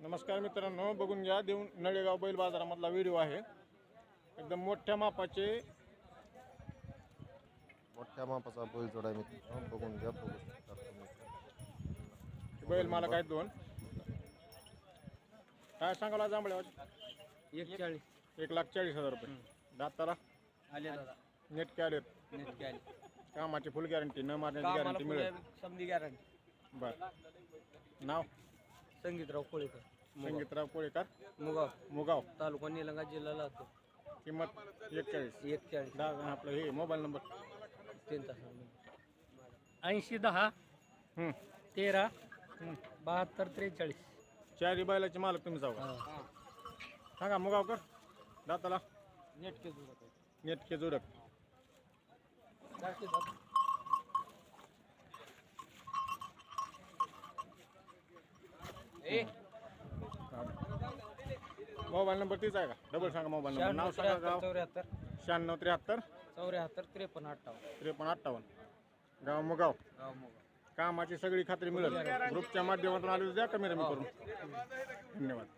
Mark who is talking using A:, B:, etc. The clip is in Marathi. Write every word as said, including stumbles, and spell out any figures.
A: नमस्कार मित्रांनो, बघून घ्या देऊन नळेगाव बैल बाजारामधला व्हिडिओ आहे। एकदम मोठ्या मापाचे
B: मोठ्या मापाचा बैल जोडा मित्रांनो, बघून घ्या बघू शकता तुम्ही।
A: बैल मला काय दोन काय सांगायला जांभळ्या
C: एक चाळीस
A: एक लाख चाळीस हजार रुपये दाताला
C: आले दादा
A: नेट आलेत
C: नेट आले
A: कामाची फुल गॅरंटी न मारण्याची गॅरंटी मिळेल।
C: समधी गॅरंटी।
A: बर नाव
C: संगीतराव कोळेकर
A: संगीतराव कोळेकर
C: मुगाव
A: मुगाव
C: तालुका निलंगा जिल्हा लातूर।
A: किंमत एकचाळीस
C: एक चाळीस
A: दहा आपलं हे मोबाईल नंबर
C: तीन तास ऐंशी दहा
A: हम्म,
C: तेरा
A: हम्म.
C: बहात्तर त्रेचाळीस।
A: चारी बैलाचे मालक तुम्ही जाऊ सांगा मुगावकर दाताला
C: नेट के
A: नेटके जोडक मोबाईल नंबर तीच आहे का? डबल सांगा मोबाईल नंबर नाव सांगा गाव
C: चौऱ्याहत्तर
A: शहाण्णव त्र्याहत्तर
C: चौऱ्याहत्तर त्रेपन्न अठ्ठावन्न
A: त्रेपन्न अठ्ठावन्न गाव मुगाव
C: गाव मुगाव।
A: कामाची सगळी खात्री मिळेल ग्रुपच्या माध्यमातून आली तर द्या कमी कमी करून धन्यवाद।